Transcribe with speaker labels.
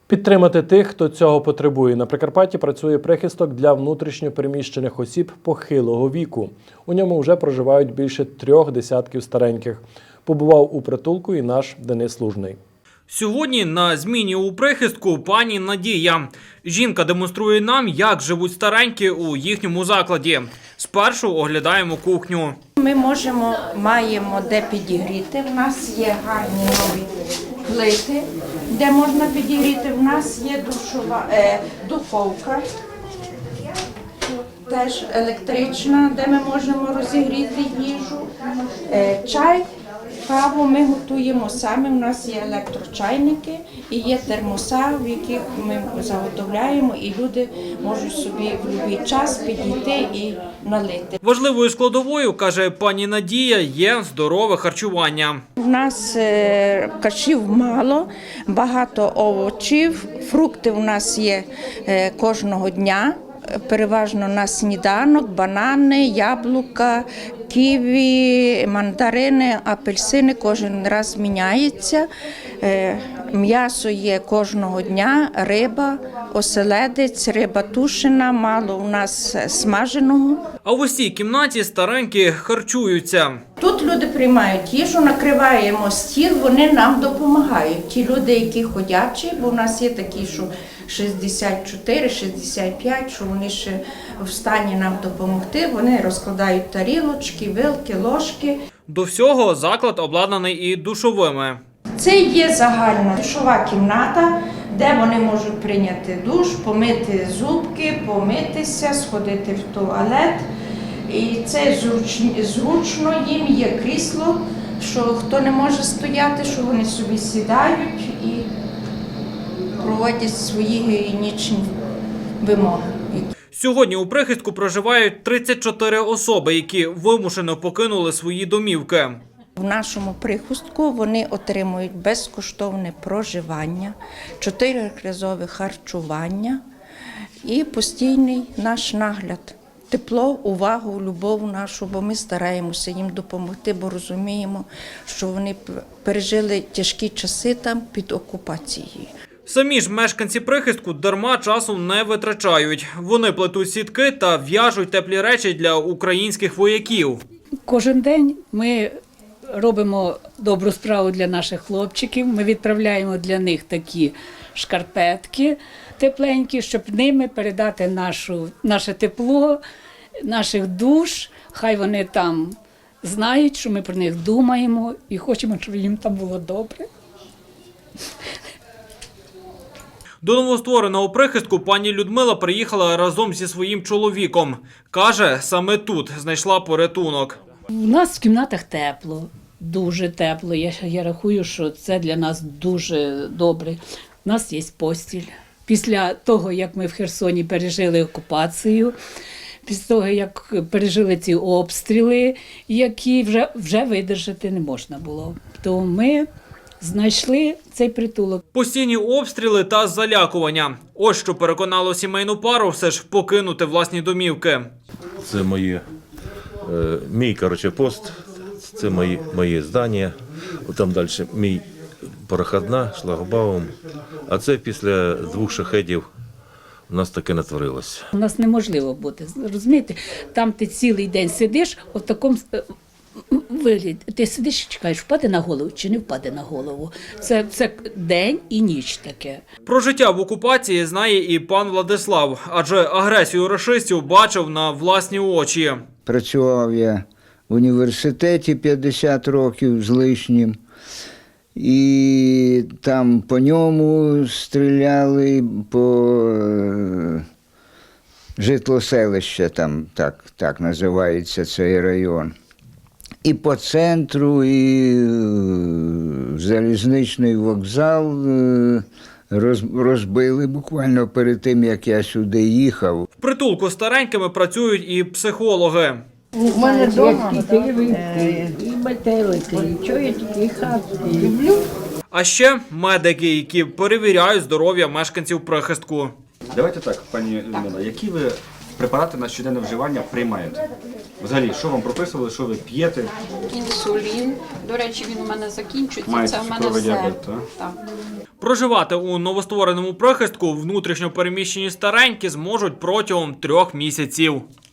Speaker 1: Підтримати тих, хто цього потребує. На Прикарпатті працює прихисток для внутрішньо переміщених осіб похилого віку. У ньому вже проживають більше 3 десятків стареньких. Побував у притулку і наш Денис Лужний.
Speaker 2: Сьогодні на зміні у прихистку пані Надія. Жінка демонструє нам, як живуть старенькі у їхньому закладі. Спершу оглядаємо кухню.
Speaker 3: Ми маємо де підігріти. У нас є гарні нові плити, де можна підігріти. У нас є духовка, теж електрична, де ми можемо розігріти їжу. Чай, каву ми готуємо самі. У нас є електрочайники і є термоса, в яких ми заготовляємо, і люди можуть собі в будь-який час підійти і налити.
Speaker 2: Важливою складовою, каже пані Надія, є здорове харчування.
Speaker 3: У нас кашів мало, багато овочів, фрукти у нас є кожного дня. Переважно на сніданок, банани, яблука, ківі, мандарини, апельсини кожен раз міняється. М'ясо є кожного дня, риба, оселедець, риба тушена, мало у нас смаженого.
Speaker 2: А в усій кімнаті старенькі харчуються.
Speaker 3: Тут люди приймають їжу, накриваємо стіл, вони нам допомагають. Ті люди, які ходячі, бо у нас є такі, що 64, 65, що вони ще в стані нам допомогти, вони розкладають тарілочки, вилки, ложки.
Speaker 2: До всього заклад обладнаний і душовими.
Speaker 3: Це є загальна душова кімната, де вони можуть прийняти душ, помити зубки, помитися, сходити в туалет. І це зручно, їм є крісло, що хто не може стояти, що вони собі сідають і проводять свої гігієнічні вимоги.
Speaker 2: Сьогодні у прихистку проживають 34 особи, які вимушено покинули свої домівки.
Speaker 3: В нашому прихистку вони отримують безкоштовне проживання, 4-разове харчування і постійний наш нагляд. Тепло, увагу, любов нашу, бо ми стараємося їм допомогти, бо розуміємо, що вони пережили тяжкі часи там під окупацією.
Speaker 2: Самі ж мешканці прихистку дарма часу не витрачають. Вони плетуть сітки та в'яжуть теплі речі для українських вояків.
Speaker 4: Кожен день ми робимо добру справу для наших хлопчиків. Ми відправляємо для них такі шкарпетки тепленькі, щоб ними передати наше тепло, наших душ. Хай вони там знають, що ми про них думаємо і хочемо, щоб їм там було добре.
Speaker 2: До новоствореного прихистку пані Людмила приїхала разом зі своїм чоловіком. Каже, саме тут знайшла порятунок.
Speaker 4: У нас в кімнатах тепло, дуже тепло. Я рахую, що це для нас дуже добре. У нас є постіль. Після того, як ми в Херсоні пережили окупацію, після того, як пережили ці обстріли, які вже видержати не можна було, то ми знайшли цей притулок.
Speaker 2: Постійні обстріли та залякування. Ось що переконало сімейну пару все ж покинути власні домівки.
Speaker 5: Це мій пост, це мої здання. Там далі мій проходна, шлагбаум. А це після 2 шахедів у нас таке натворилося.
Speaker 4: У нас неможливо бути, розумієте? Там ти цілий день сидиш, в такому вигляді. Ти сидиш і чекаєш, впаде на голову чи не впаде на голову. Це день і ніч таке.
Speaker 2: Про життя в окупації знає і пан Владислав, адже агресію рашистів бачив на власні очі.
Speaker 6: Працював я в університеті 50 років з лишнім. І там по ньому стріляли, по житлоселище, там так називається цей район. І по центру, і залізничний вокзал розбили буквально перед тим, як я сюди їхав.
Speaker 2: В притулку старенькими працюють і психологи.
Speaker 7: У мене вдома і метелики, і чого я тільки хату люблю.
Speaker 2: А ще медики, які перевіряють здоров'я мешканців прихистку.
Speaker 8: Давайте так, пані Людмила, які ви препарати на щоденне вживання приймаєте? Взагалі, що вам прописували, що ви п'єте?
Speaker 9: Інсулін. До речі, він у мене закінчується.
Speaker 8: Маєте
Speaker 9: Це в мене
Speaker 8: цукровий
Speaker 9: все.
Speaker 8: діабет, так?
Speaker 9: Так.
Speaker 2: Проживати у новоствореному прихистку внутрішньо переміщені старенькі зможуть протягом 3 місяців.